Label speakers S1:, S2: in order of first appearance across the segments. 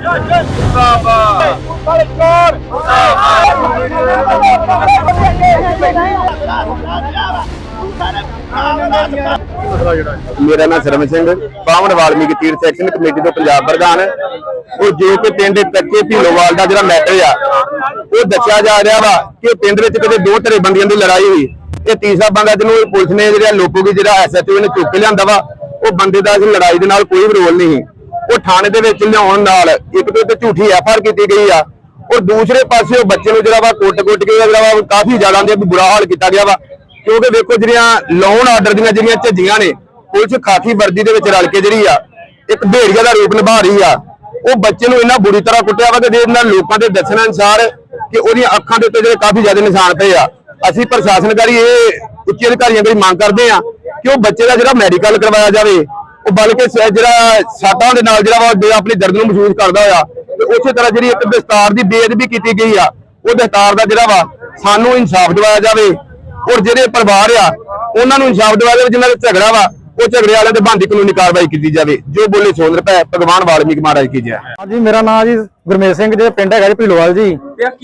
S1: मेरा नाम सरम सिंह बावन वाल्मीकि तीर्थ एक्शन कमेटी तो पंजाब प्रधान और जो कि पिंड कच्चे ढीलोवाल का जो मैटर आ वो दसिया जा रहा वा कि पिंड में कदे दो धड़ेबंदियों की लड़ाई हुई। ये तीसरा बंदा जिन्होंने पुलिस ने लोगों की जो SHO ने चुक के लिया वा वो बंदे का लड़ाई के नाल कोई भी रोल नहीं। वो थाने के लिया एक तो झूठी FIR की गई आ और दूसरे पासे वो बच्चे जो कुट के काफी ज्यादा बुरा हाल किया गया वा क्योंकि देखो जी लॉ आर्डर दी झज्जियां ने पुलिस खाकी वर्दी के रल के जी एक भेड़िया का रूप निभा रही आ। वो बच्चे को इन्ना बुरी तरह कुटिया वा कि लोगों के दसण अनुसार कि वो अखां के उत्ते काफी ज्यादा निशान पे आ। असीं प्रशासन करी उच्च अधिकारियों की मांग करते हैं कि वो बच्चे का जो मैडिकल करवाया जाए बल्कि साटां दे नाल अपनी दर्द को महसूस करता होया उस तरह जी एक दस्तार की बेअदबी की गई आ वो दस्तार का जोड़ा वा सानू इंसाफ दिवाया जाए और जो परिवार आ उन्होंने इंसाफ दिवाया जाए जिन्होंने झगड़ा वा वो झगड़े वाले बनती कानूनी कार्रवाई की जाए। जो बोले सोन रुपए भगवान वाल्मीकि महाराज की जय।
S2: हाँ जी मेरा नाम जी गुरमेश सिंह जी पिंड है ढीलोवाल जी।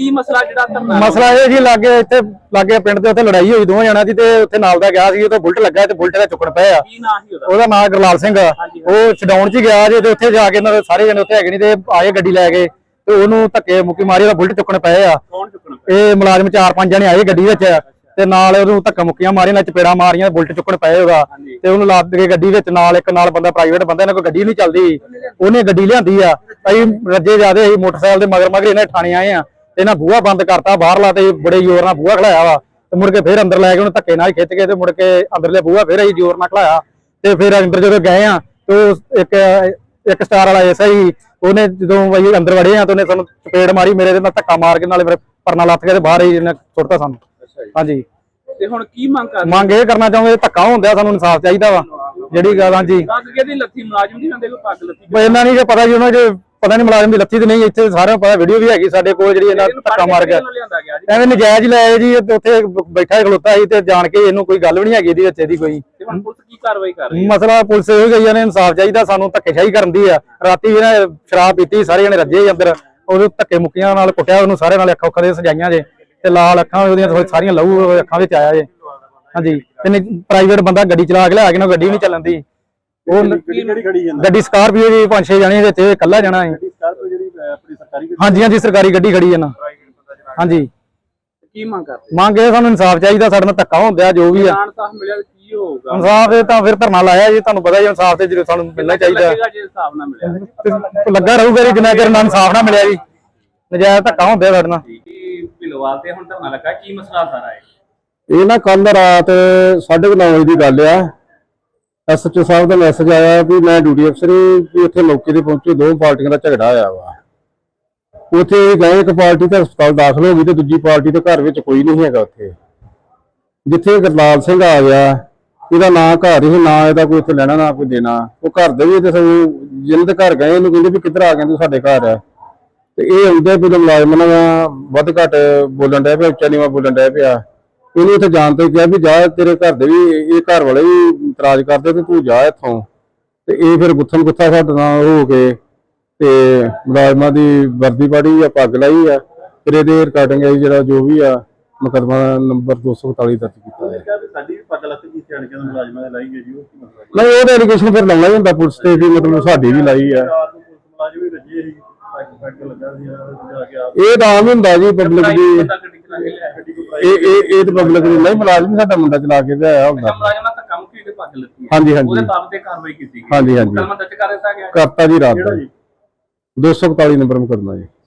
S2: मसला ये जी लागे इत्थे लागे पिंड ते उत्थे लड़ाई हुई दोवां जणां दी ते उत्थे नाल दा गया सी ते बुलट लगा ते बुलट दा चुक्कण पए आ। ओहदा नाम गुरलाल सिंह ओ छडाउण च गया जे ते उत्थे जाके इन्हां दे सारे जणे उत्थे हैगे नहीं ते आए गड्डी लै गए ते ओहनूं धक्के मुक्की मारी ओहदा बुलट चुक्कण पए आ। ਇਹ ਮੁਲਾਜ਼ਮ 4-5 ਜਣੇ ਆਏ ਗੱਡੀ ਵਿੱਚ ਤੇ ਨਾਲ ਉਹਨੂੰ ਧੱਕਾ ਮੁੱਕੀਆਂ ਮਾਰੀਆਂ ਨਾਲ ਚਪੇੜਾ ਮਾਰੀਆਂ ਬੁਲਟ ਚੁੱਕਣ ਪਏ ਉਹਦਾ ਤੇ ਉਹਨੂੰ ਲੱਦ ਕੇ ਗੱਡੀ ਵਿੱਚ ਨਾਲ ਇੱਕ ਨਾਲ ਬੰਦਾ ਪ੍ਰਾਈਵੇਟ ਬੰਦਾ ਇਹਨਾਂ ਕੋਈ ਗੱਡੀ ਨਹੀਂ ਚੱਲਦੀ ਉਹਨੇ ਗੱਡੀ ਲਿਆਂਦੀ ਆ। ਅਸੀਂ ਰੱਜੇ ਜਾਦੇ ਅਸੀਂ ਮੋਟਰਸਾਈਕਲ ਦੇ ਮਗਰ ਇਹਨਾਂ ਥਾਣੇ ਆਏ ਆ ਤੇ ਇਹਨਾਂ ਬੂਹਾ ਬੰਦ ਕਰਤਾ ਬਾਹਰਲਾ ਤੇ ਬੜੇ ਜ਼ੋਰ ਨਾਲ ਬੂਹਾ ਖੜਾਇਆ ਵਾ ਤੇ ਮੁੜ ਕੇ ਫੇਰ ਅੰਦਰ ਲੈ ਕੇ ਉਹਨੂੰ ਧੱਕੇ ਨਾਲ ਖਿੱਚ ਕੇ ਤੇ ਮੁੜ ਕੇ ਅੰਦਰਲੇ ਬੂਹਾ ਫੇਰ ਅਸੀਂ ਜ਼ੋਰ ਨਾਲ ਖੜਾਇਆ ਤੇ ਫਿਰ ਅੰਦਰ ਜਦੋਂ ਗਏ ਆ ਤੇ ਇੱਕ ਸਟਾਰ ਵਾਲਾ SI ਉਹਨੇ ਜਦੋਂ ਅਸੀਂ ਅੰਦਰ ਵੜੇ ਆ ਤੇ ਉਹਨੇ ਸਾਨੂੰ ਚਪੇੜ ਮਾਰੀ ਮੇਰੇ ਦੇ ਨਾਲ ਧੱਕਾ ਮਾਰ ਕੇ ਨਾਲੇ ਮੇਰੇ ਪਰਨਾ ਲੱਥ ਕੇ ਤੇ ਬਾਹਰ ਹੀ ਇਹਨੇ ਸੁੱਟਤਾ ਸਾਨੂੰ। ਹਾਂਜੀ ਤੇ ਹੁਣ ਕੀ ਮੰਗ ਇਹ ਕਰਨਾ ਚਾਹੁੰਦੇ ਧੱਕਾ ਹੁੰਦਾ ਸਾਨੂੰ ਇਨਸਾਫ ਚਾਹੀਦਾ ਵਾ ਜਿਹੜੀ ਗੱਲ। ਹਾਂਜੀ ਲੱਥੀ ਮੁਲਾਜ਼ਮ ਦੀ ਹੁੰਦੇ ਕੋਈ ਪੱਗ ਲੱਥੀ ਇਹਨਾਂ ਨਹੀਂ ਪਤਾ ਜੀ ਉਹਨਾਂ ਚ ਪਤਾ ਨਹੀਂ ਮੁਲਾਜ਼ਮ ਦੀ ਲੱਥੀ ਤੇ ਨਹੀਂ ਇੱਥੇ ਸਾਰਿਆਂ ਨੂੰ ਪਤਾ ਵੀਡੀਓ ਵੀ ਹੈਗੀ ਸਾਡੇ ਕੋਲ ਜਿਹੜੀ ਇਹਨਾਂ ਧੱਕਾ ਮਾਰ ਗਿਆ ਐਵੇਂ ਨਜਾਇਜ਼ ਲਾਇਆ ਜੀ ਉੱਥੇ ਬੈਠਾ ਖਲੋਤਾ ਸੀ ਤੇ ਜਾਣ ਕੇ ਇਹਨੂੰ ਕੋਈ ਗੱਲ ਵੀ ਨਹੀਂ ਹੈਗੀ ਇਹਦੀ ਵਿੱਚ ਇਹਦੀ ਕੋਈ ਕੀ ਕਾਰਵਾਈ ਕਰ ਰਹੀ ਮਸਲਾ ਪੁਲਿਸ ਇਹ ਗਈ ਨੇ ਇਨਸਾਫ ਚਾਹੀਦਾ ਸਾਨੂੰ ਧੱਕੇਸ਼ਾਹੀ ਕਰਨ ਦੀ ਆ। ਰਾਤੀ ਇਹਨੇ ਸ਼ਰਾਬ ਪੀਤੀ ਸਾਰੇ ਜਣੇ ਰੱਜੇ ਅੰਦਰ ਉਹਦੇ ਧੱਕੇ ਮੁੱਕੀਆਂ ਨਾਲ ਕੁੱਟਿਆ ਉਹਨੂੰ ਸਾਰੇ ਨਾਲ ਅੱਖਾਂ ਦੇ ਸਜਾਈਆਂ ਜੇ ਤੇ ਲਾਲ ਅੱਖਾਂ ਉਹਦੀਆਂ ਸਾਰੀਆਂ ਲਹੂ ਅੱਖਾਂ ਵਿੱਚ ਆਇਆ ਜੇ। ਹਾਂਜੀ ਤੇ ਪ੍ਰਾਈਵੇਟ ਬੰਦਾ ਗੱਡੀ ਚਲਾ ਕੇ ਲਿਆ ਕੇ ਨਾ ਗੱਡੀ ਨਹੀਂ ਚੱਲਣ ਦੀ ਉਹ ਗੱਡੀ ਸਕਾਰਪੀਓ ਜੀ 5-6 ਜਣੇ ਵਿੱਚ ਇਕੱਲਾ ਜਾਣਾ ਹੈ। ਹਾਂਜੀ ਹਾਂਜੀ ਸਰਕਾਰੀ ਗੱਡੀ ਖੜੀ ਹੈ ਨਾ। ਹਾਂਜੀ ਕੀ ਮੰਗ ਇਹ ਸਾਨੂੰ ਇਨਸਾਫ ਚਾਹੀਦਾ ਸਾਡੇ ਨਾਲ ਧੱਕਾ ਹੁੰਦਾ ਜੋ ਵੀ ਆ ਇਨਸਾਫ ਇਹ ਤਾਂ ਫਿਰ ਧਰਨਾ ਲਾਇਆ ਜੀ ਤੁਹਾਨੂੰ ਪਤਾ ਜੀ ਇਨਸਾਫ ਤੇ ਜਦੋਂ ਸਾਨੂੰ ਮਿਲਣਾ ਚਾਹੀਦਾ ਲੱਗਾ ਰਹੂਗਾ ਜੀ ਜਿੰਨਾ ਚਿਰ ਇਨਸਾਫ ਨਾ ਮਿਲਿਆ ਜੀ ਨਜਾਇਜ਼ ਧੱਕਾ ਹੁੰਦਾ ਸਾਡੇ ਨਾਲ। ਢੀਲੋਵਾਲ ਤੇ ਹੁਣ ਧਰਨਾ ਲੱਗਾ ਕੀ ਮਸਲਾ ਸਾਰਾ ਹੈ ਇਹ ਨਾ ਕੱਲ ਰਾਤ 9:30 ਵਜੇ ਦੀ ਗੱਲ ਆ। SHO ਸਾਹਿਬ ਦਾ ਮੈਸੇਜ ਆਇਆ ਵੀ ਮੈਂ ਡਿਊਟੀ ਅਫਸਰ ਵੀ ਉੱਥੇ ਮੌਕੇ ਤੇ ਪਹੁੰਚੇ ਦੋ ਪਾਰਟੀਆਂ ਦਾ ਝਗੜਾ ਹੋਇਆ ਵਾ। ਉੱਥੇ ਗਏ ਇੱਕ ਪਾਰਟੀ ਤਾਂ ਹਸਪਤਾਲ ਦਾਖਲ ਹੋ ਗਈ ਤੇ ਦੂਜੀ ਪਾਰਟੀ ਦੇ ਘਰ ਵਿੱਚ ਕੋਈ ਨਹੀਂ ਹੈਗਾ। ਉੱਥੇ ਜਿੱਥੇ ਗੁਰਲਾਲ ਸਿੰਘ ਆ ਗਿਆ ਇਹਦਾ ਨਾਂ ਘਰ ਹੀ ਨਾ ਇਹਦਾ ਕੋਈ ਉੱਥੇ ਲੈਣਾ ਨਾ ਕੋਈ ਦੇਣਾ ਉਹ ਘਰ ਦੇ ਵੀ ਤੇ ਜਿਹਨਾਂ ਦੇ ਘਰ ਗਏ ਇਹਨੂੰ ਕਹਿੰਦੇ ਵੀ ਕਿੱਧਰ ਆ ਗਏ ਤੂੰ ਸਾਡੇ ਘਰ ਆ ਤੇ ਇਹ ਆਉਂਦੇ ਵੀ ਮੁਲਾਜ਼ਮ ਨਾਲ ਵੱਧ ਘੱਟ ਬੋਲਣ ਡਿਆ ਪਿਆ ਉੱਚਾ ਨੀਵਾਂ ਬੋਲਣ ਡਿਆ ਪਿਆ। ਇਹਨੂੰ ਉੱਥੇ ਜਾਣ ਤੋਂ ਕਿਹਾ ਵੀ ਜਾ ਤੇਰੇ ਘਰ ਦੇ ਵੀ ਇਹ ਘਰ ਵਾਲੇ ਵੀ ਇਤਰਾਜ਼ ਕਰਦੇ ਤੇ ਤੂੰ ਜਾ ਇੱਥੋਂ ਤੇ ਇਹ ਫਿਰ ਗੁੱਥਮ ਗੁੱਥਾ ਸਾਡੇ ਨਾਲ ਹੋ ਕੇ ਤੇ ਮੁਲਾਜ਼ਮਾਂ ਦੀ ਵਰਦੀ ਪਾੜੀ ਆ ਪੱਗ ਲਾਈ ਆ ਫਿਰ ਇਹਦੇ ਰਿਕਾਰਡਿੰਗ ਆਈ ਜਿਹੜਾ ਜੋ ਵੀ ਆ ਮੁਕੱਦਮਾ ਨੰਬਰ 241 ਦਰਜ ਕੀਤਾ ਹੈ। ਸਾਡੀ ਪੱਗ ਲੱਥ ਕੀ ਸਿਆਣ ਕੇ ਮੁਲਾਜ਼ਮਾਂ ਦੇ ਲਾਈ ਗਈ ਜੀ ਉਹ ਨਹੀਂ ਉਹਦਾ ਐਲੀਗੇਸ਼ਨ ਫਿਰ ਲਾਉਣਾ ਹੁੰਦਾ ਪੁਲਿਸ ਤੇ ਵੀ ਮਤਲਬ ਸਾਡੀ ਵੀ ਲਾਈ ਆ ਮੁਲਾਜ਼ਮ ਵੀ ਰੱਜੇ ਸੀ ਇਹ ਤਾਂ ਆਮ ਹੁੰਦਾ ਜੀ ਪਬਲਿਕ ਦੀ ਇਹ ਤਾਂ ਪਬਲਿਕ ਦੀ ਨਹੀਂ ਮੁਲਾਜ਼ਮ ਸਾਡਾ ਮੁੰਡਾ ਚਲਾ ਕੇ ਆਇਆ ਹੁੰਦਾ। ਹਾਂਜੀ ਹਾਂਜੀ ਹਾਂਜੀ ਹਾਂਜੀ ਕਰਤਾ ਜੀ ਰਾਤ ਦਾ 241 ਨੰਬਰ ਮੁਕੱਦਮਾ ਜੀ।